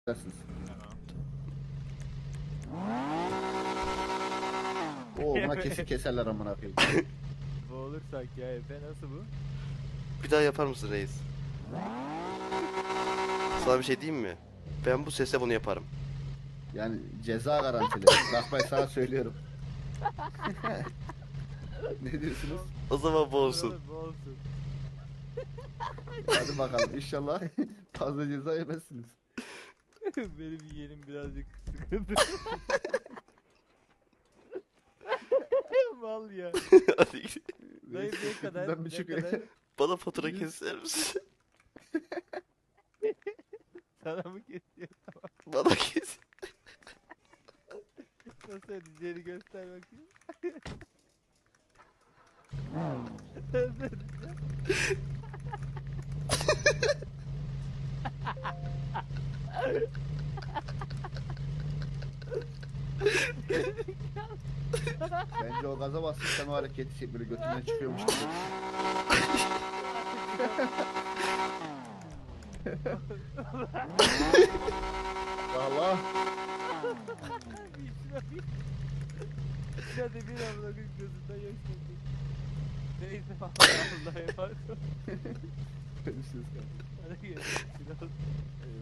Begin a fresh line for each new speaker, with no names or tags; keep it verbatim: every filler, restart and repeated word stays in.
Dersiniz.
Tamam.
Oo buna kesin keserler amına koyayım.
Boğulursak ya Efe, nasıl bu?
Bir daha yapar mısın reis? Sana bir şey diyeyim mi? Ben bu sesle bunu yaparım.
Yani ceza garantili. Bak ben sana söylüyorum. Ne diyorsunuz?
O zaman boğulsun.
Olur, boğulsun.
Hadi bakalım inşallah fazla ceza yemezsiniz.
Benim yeğenim birazcık sıkıntı. Mal ya.
Hadi git.
Dayı ne kadar?
Ben bir
Ne
şükür-
kadar?
Bana fatura keser misin?
Sana mı kesiyor?
Bana kes.
Nasıl ödeyeceğini göster bakayım. Nasıl ödeyeceğim?
Bence o gaza bastın sen o hareketi çek böyle götünden çıkıyormuş gibi. Allah.
Bir şuna bir. Şuna de bir amına koyayım, gözünden yaş geldi. Neyse Allah'a emanet ol.
Görüşürüz.
Hadi görüşürüz.